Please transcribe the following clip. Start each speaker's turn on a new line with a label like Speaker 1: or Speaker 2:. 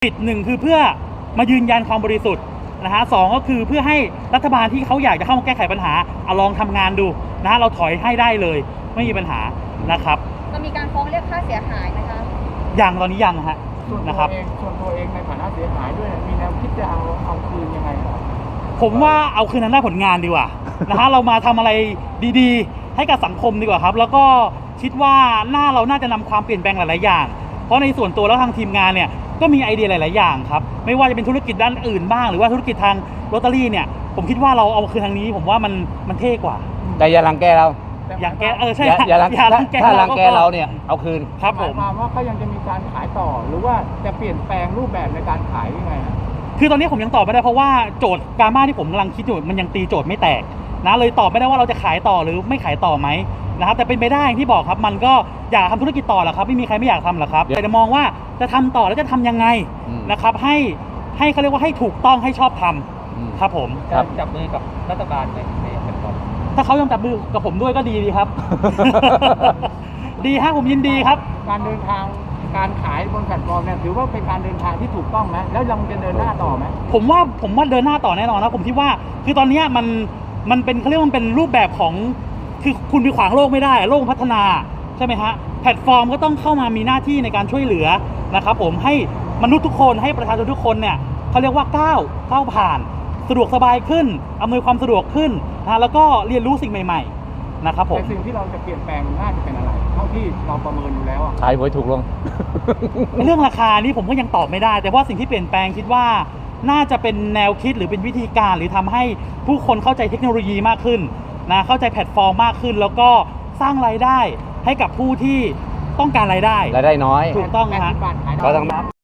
Speaker 1: ปิดหนึ่งคือเพื่อมายืนยันความบริสุทธิ์นะฮะสองก็คือเพื่อให้รัฐบาลที่เขาอยากจะเข้ามาแก้ไขปัญหาเอาลองทำงานดูนะฮะเราถอยให้ได้เลยไม่มีปัญหานะครับ
Speaker 2: จะมีการฟ้องเรียกค่าเสียหายไหมคะ
Speaker 1: ยังตอนนี้ยังฮะนะครับ
Speaker 3: ส่วนตัวเองในฐานะเสียหายด้วยมีแนวคิดจะเอาคืนยังไงครับ
Speaker 1: ผมว่าเอาคืนทางด้านผลงานดีกว่านะฮะเรามาทำอะไรดีๆให้กับสังคมดีกว่าครับแล้วก็คิดว่าเราน่าจะนำความเปลี่ยนแปลงหลายๆอย่างเพราะในส่วนตัวแล้วทางทีมงานเนี่ยก็มีไอเดียหลายๆอย่างครับไม่ว่าจะเป็นธุรกิจด้านอื่นบ้างหรือว่าธุรกิจทางลอตเตอรี่เนี่ยผมคิดว่าเราเอาคืนทางนี้ผมว่ามันเท่กว่า
Speaker 4: แต่อย่ารังแกเรา
Speaker 1: อย่างแกใช่
Speaker 4: อย่ารังแกถ้ารังแกเราเนี่ยเอาคืน
Speaker 1: ครับผม
Speaker 3: หมายความว่าก็ยังจะมีการขายต่อหรือว่าจะเปลี่ยนแปลงรูปแบบในการขายยังไงฮะ
Speaker 1: คือตอนนี้ผมยังตอบไม่ได้เพราะว่าโจทย์การบ้านที่ผมกำลังคิดอยู่มันยังตีโจทย์ไม่แตกนะเลยตอบไม่ได้ว่าเราจะขายต่อหรือไม่ขายต่อไหมนะครับแต่เป็นไปได้อย่างที่บอกครับมันก็อยากทำธุรกิจต่อแหละครับไม่มีใครไม่อยากทำหรอกครับแต่จะมองว่าจะทำต่อแล้วจะทำยังไงนะครับให้เขาเรียกว่าให้ถูกต้องให้ชอบทำครับผม
Speaker 4: การจับมือกับรัฐบาลในแพลตฟอร์ม
Speaker 1: ถ้าเขายอมจับมือกับผมด้วยก็ดีครับ ดีฮะผมยินดีครับ
Speaker 3: การเดินทางการขายบนแพลตฟอร์มเนี่ยถือว่าเป็นการเดินทางที่ถูกต้องไหมแล้วยังจะเดินหน้าต่อไหม
Speaker 1: ผมว่าเดินหน้าต่อแน่นอนนะผมคิดว่าคือตอนนี้มันเป็นเขาเรียกว่ามันเป็นรูปแบบของคือคุณไปขวางโลกไม่ได้โลกพัฒนาใช่ไหมฮะแพลตฟอร์มก็ต้องเข้ามามีหน้าที่ในการช่วยเหลือนะครับผมให้มนุษย์ทุกคนให้ประชาชนทุกคนเนี่ยเขาเรียกว่าก้าวผ่านสะดวกสบายขึ้นอำนวยความสะดวกขึ้นนะแล้วก็เรียนรู้สิ่งใหม่ๆนะครับผม
Speaker 3: แต่สิ่งที่เราจะเปลี่ยนแปลงน่าจะเป็นอะไรเท่าที่เราประเมินอยู่แล้ว
Speaker 4: ขายหวยถูกลง
Speaker 1: เรื่องราคานี้ผมก็ยังตอบไม่ได้แต่ว่าสิ่งที่เปลี่ยนแปลงคิดว่าน่าจะเป็นแนวคิดหรือเป็นวิธีการหรือทำให้ผู้คนเข้าใจเทคโนโลยีมากขึ้นนะเข้าใจแพลตฟอร์มมากขึ้นแล้วก็สร้างรายได้ให้กับผู้ที่ต้องการรายได้
Speaker 4: น้อย
Speaker 1: ถูกต้องนะฮะ
Speaker 4: ก็ต้อง